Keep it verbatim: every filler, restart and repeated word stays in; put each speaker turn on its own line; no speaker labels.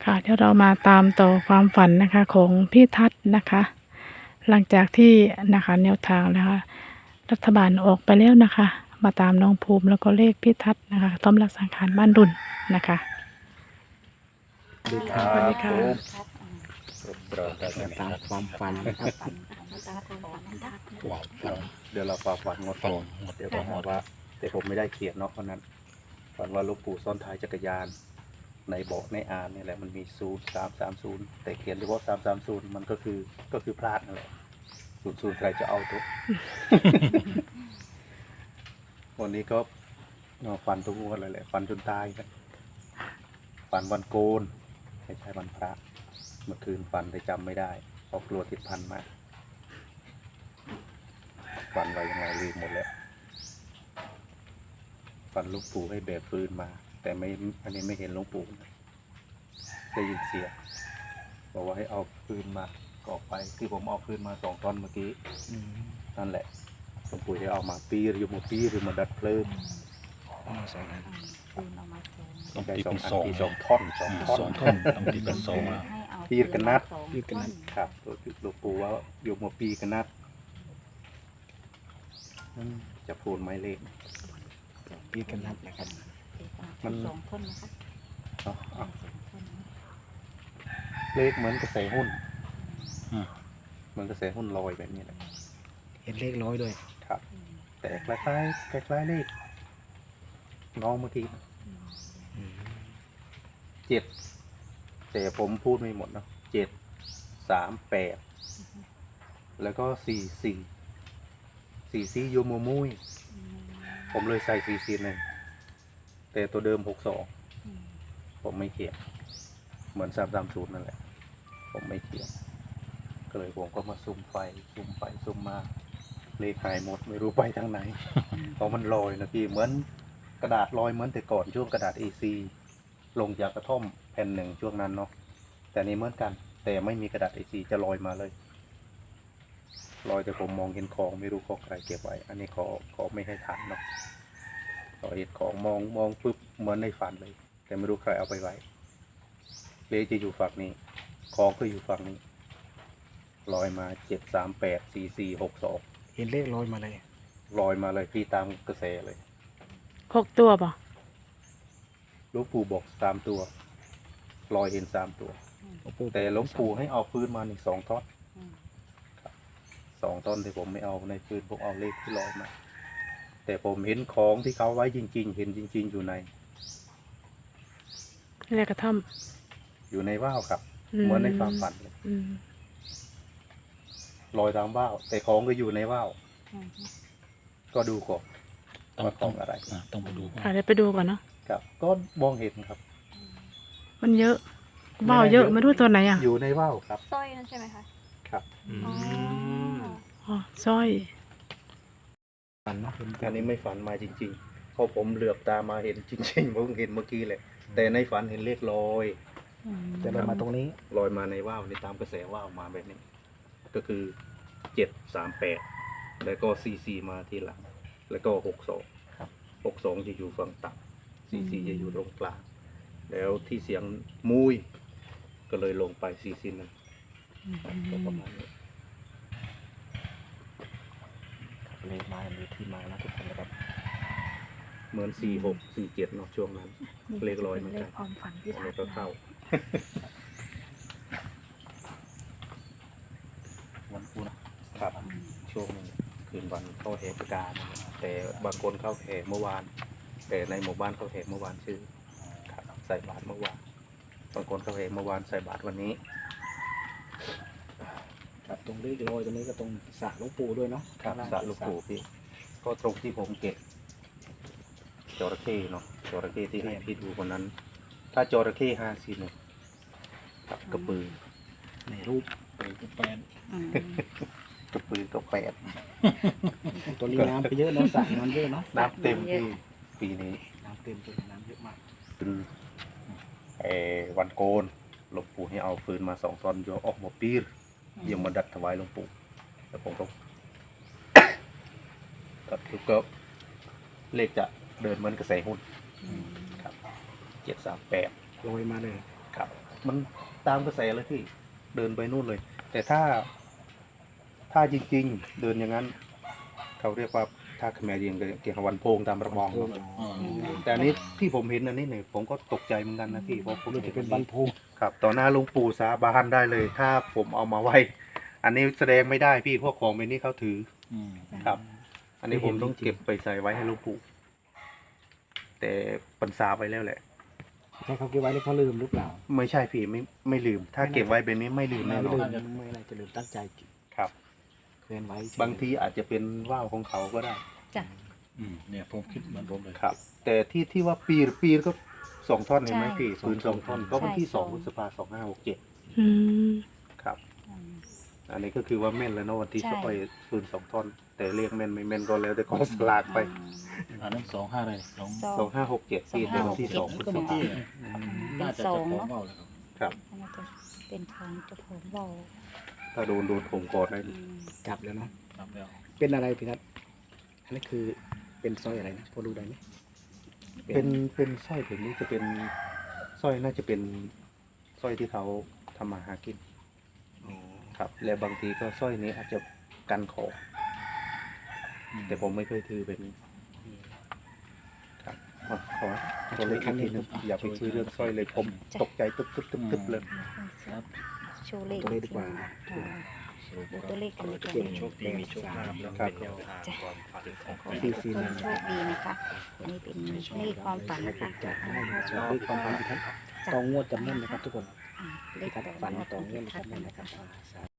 ค่ะเดี๋ยวเรามาตามต่อความฝันนะคะของพี่ทัศน์นะคะ หลังจากที่นะคะแนวทางนะคะรัฐบาลออกไปแล้วนะคะ มาตามน้องภูมิแล้วก็เลขพี่ทัศน์นะคะต้อมรักสังขารบ้านดุลนะคะ
สวัสดีครั
สวัสดี
บ
ค่ะ
เราจะตามความฝันครับ
เดี๋ยวเราฝากฝันงดก่อนเดี๋ยวบอกว่าแต่ผมไม่ได้เขียนเนาะเพราะนั้นฝันว่าหลูกปู่ซ่อนท้ายจักรยานในเบาะในอานนี่แหละมันมีศูนย์สามสามศูนย์แต่เขียนเฉพาะสามสามศูนย์มันก็คือก็คือพลาดนั่นแหละศูนย์ศูนย์ใครจะเอาทุก วันนี้ก็ฝันทุกงวดเลยแหละฝันจนตายกันฝันวันโกนไม่ใช่วันพระเมื่อคืนฝันแต่จำไม่ได้เพราะกลัวติดพันมากฝันไว้ยังไงลืมหมดแล้วฝันหลูกปู่ให้แบบฟืนมา แต่ไม่อันนี้ไม่เห็นหลวงปู่ได้ยินเสียงบอกว่าให้เอาฟืนมาก็ออกไปที่ผมเอาฟืนมาสองท่อนเมื่อกี้นั่นแหละหลวงปู่ได้เอามาปีหรือมาปีหรือมาดัดเพลิง
เอามาสองอัน
ต้องใจสองอันที่สองท่อนสองท่อน
สองท่อนต้องตีเป็นสองแล้ว
ปีกันนัด
ปีกันนัด
ครับหลวงปู่ว่าโยมมาปีกันนัดอืมจะพูดไม้เลข
ปีกันนัดนะครับ
มัน
สองคนนะคะ
เนาะเอา
สองคนนะ
เลขเหมือนกระแสหุ้นเหมือนกระแสหุ้นลอยแบบนี้แหละ
เห็นเลขร้อยด้วย
ครับ แต่คล้ายๆคล้ายๆเลขน้องเมื่อกี้เจ็ดแต่ผมพูดไม่หมดเนาะเจ็ดสามแปดแล้วก็สี่สี่สี่สี่โยโมมุยผมเลยใส่สี่สี่หนึ่งแต่ตัวเดิมหกสองผมไม่เขียนเหมือนสามสามศูนย์นั่นแหละผมไม่เขียนก็เลยผมก็มาซุ่มไฟซุ่มไฟซุ่มมาเลขหายหมดไม่รู้ไปทางไหน เพราะมันลอยนะพี่เหมือนกระดาษลอยเหมือนแต่ก่อนช่วงกระดาษ เอ ซี ลงจากกระท่อมแผ่นหนึ่งช่วงนั้นเนาะแต่นี้เหมือนกัน แต่ไม่มีกระดาษ เอ ซี จะลอยมาเลยลอยแต่ผมมองเห็นของไม่รู้ของใครเก็บไว้ อันนี้ขอขอไม่ให้ถามเนาะขอเห็นของมองมองปุ๊บเหมือนในฝันเลย แต่ไม่รู้ใครเอาไปไว้เลขจะอยู่ฝั่งนี้ของก็อยู่ฝั่งนี้ลอยมาเจ็ดสามแปดสี่สี่หกสอง
เห็นเลขร้อยมาเลย
ลอยมาเลยพี่ตามกระแสเลย
หกตัวป่ะ
หลวงปู่บอกสามตัวลอยเห็นสามตัว
หลวงปู่
แต่หลวงปู่ให้เอาปืนมาหนึ่งสองท่อนสองท่อนที่ผมไม่เอาในปืนผมเอาเลขที่ลอยมา แต่ผมเห็นของที่เขาไว้จริง ๆ เห็นจริง ๆ อยู่ใน
เลขกระท่อม
อยู่ในว่าวครับ
อืม
เหมือนในความฝันเลย
อืม
ลอยตามว่าวแต่ของก็อยู่ในว่าวก็ดูก่อนว่าของอะไร
อ่ะต้องไปดู
ค่ะเดี๋ยวไปดูก่อนเนาะ
ครับ ก็มองเห็นครับ
มันเยอะว่าวเยอะไม่รู้ตัวไหนอ่ะ
อยู่ในว่าวครับ
สร้อยนั่นใช่ไหมคะ
ครับ
อ๋อ
อ๋อสร้อย
ฝันเนาะเห็น
อันนี้ไม่ฝันมาจริงๆเพราะผมเหลือบตามาเห็นจริงๆผมเห็นเมื่อกี้เลยแต่ในฝันเห็นเลขลอย
จะได้มาตรงนี้
ลอยมาในว่าวในตามกระแสว่าวมาแบบนี้ ก็คือเจ็ดสามแปดแล้วก็ซีซีมาทีหลัง แล้วก็หกสอง
ครับ
หกสองจะอยู่ฝั่งต่ำซีซีจะอยู่ตรงกลางแล้วที่เสียงมุยก็เลยลงไปซีซีนั้นก็ประมาณนี้
เลขมามีที่มานะทุกคนนะครับ
เหมือนสี่หกสี่เจ็ดเนาะช่วงนั้น เลขลอยเหมือน
เล
กัน
ขความฝันที่
อัน
ทั
นี้
ด
ก็เข้า วันพุธครับช่วงคืนวันเข้าแห่ประกาศแต่บางคนเข้าแห่เมื่อวาน แต่ในหมู่บ้านเข้าแห่เมื่อวานชื่อครับใส่บาตรเมื่อวานบางคนเข้าแห่เมื่อวานใส่บาตรวันนี้
ครับตรงเลขร้อยตรงนี้ก็ตรงสระหลวงปู่ด้วยเนาะ
ครับสระลูกปู่พี่ก็ตรงที่ผมเก็บจระเข้เนาะจระเข้ที่ให้พี่ดูคนนั้น ถ้าจระเข้ห้าสี่หนึ่งครับกระปือ
ในรูปเป็นแปด
อืม
กระปือก็แปด
ตัวนี้น้ำไปเยอะเนาะสระน้ำเยอะเนาะ
น้ำเต็มที่ปีนี้
น้ำเต็มตัวน้ำเยอะมาก
คือเออวันโกนหลวงปู่ให้เอาฟืนมาสองตอนโยออกมาปีรยังมาดัดถวายหลวงปู่แล้วผมก็ ก็คือก็เลขจะเดินเหมือนกระแสหุ้นครับเจ็ดสามแปด
ลอยมาเลย
ครับมันตามกระแสเลยพี่เดินไปนู่นเลย แต่ถ้าถ้าจริงๆ เดินอย่างนั้น เขาเรียกว่าถ้าขแมรยิงเกี่ยวกับวันโพงตามระบองเนอะ
อ๋อ
แต่อันนี้ที่ผมเห็นอันนี้เนี่ยผมก็ตกใจเหมือนกันนะพี่เพราะผม
รู้
เห็
จะ
น
เป็
อั
น
น
บัน
นี้
พู
ครับต่อหน้าหลวงปู่สาบานได้เลย ถ้าผมเอามาไว้ อันนี้แสดงไม่ได้พี่พวกของใบนี้เขาถือ
อืม
ครับ อันนี้ผมต้องเก็บไปใส่ไว้ให้หลวงปู่แต่ปัญษาไปแล้วแหละ
ใช่เขาเก็บไว้แล้วเขาลืมหรือเปล่า
ไม่ใช่พี่ไม่ไม่ลืม ถ้าเก็บไว้แบบนี้ไม่ลืม
ไม่
แน่นอ
ลื
น
มไม่อะไรจะลืมตั้งใจ
ครับ
เคลื่อนไว้เฉย
บางทีอาจจะเป็นว่าวของเขาก็ได้
จ้ะ
อืมเนี่ยผมคิดเหมือนผมเลย
ครับ แต่ที่ที่ว่าปีปีก็สองท่อนเห็นไหม
ใช่
พี่ปืนสองท่อนก็วันที่
ใช่
สอง
ส
พ
อง
ฤษภาสองห้าหกเจ็ด
อืม
ครับ
อืม
อันนี้ก็คือว่าแม่นแล้วเนาะวันที่
ใช่
สองไอ้ปืนสองท่อน แต่เรียกแม่นไม่แม่นก็แล้วแต่กองสลากไป
อันนั้นสองห้าเลยสอง
สอง
สองห้าหกเจ็ดปีแต่วันที่สองพฤษภา
ที่
เป็
น่าน จะ
สอ
จะ
ง
ของ
เนาะ
เบาเลยครับ
ครับ
น่าจะเป็นทางเจ้าของเบา
ถ้าโดนโดนผมกอดได้
อืม
จับแล้วเนาะ
ครับแล้ว
เป็นอะไรพี่ทัศน์อันนี้คือเป็นสร้อยอะไรนะพอดูได้ไหม
เป็นเป็นสร้อยแบบนี้จะเป็นสร้อยน่าจะเป็นสร้อยที่เขาทำมาหากิน
อ๋อ
ครับ และบางทีก็สร้อยนี้อาจจะกันของ แต่ผมไม่เคยถือแบบนี้ ครับอ่ะขอตัวเลขอีกทีหนึงอย่าไปซื้อเรื่องสร้อยเลยผมตกใจตึ๊บตึ๊บตึ๊บตึ๊บเลย
ครับ
โชว์เลข
ตัวเลขดีกว่า
อ่าดูตัวเลขกันเลยค่ะ
เก่งโชคดีมีโชคลาภ
ครับ
จ้ะขอ
ซี
ให้
ซี
ทุกคน
นั้น
โชคดีนะคะอันนี้เป็นเลขความฝันนะคะ
จะให้เลขความฝันพี่ทัศน์ตองงวดจำแม่นนะครับทุกคน
อ่าเล
พี่
ข
ทัศน์
ต่อ
ฝัน
งวด
ต
ข
อ
อง ง
งวด
พี่ทัศน์
จำแม่น
นะ
นะครับ
คะ
อ่า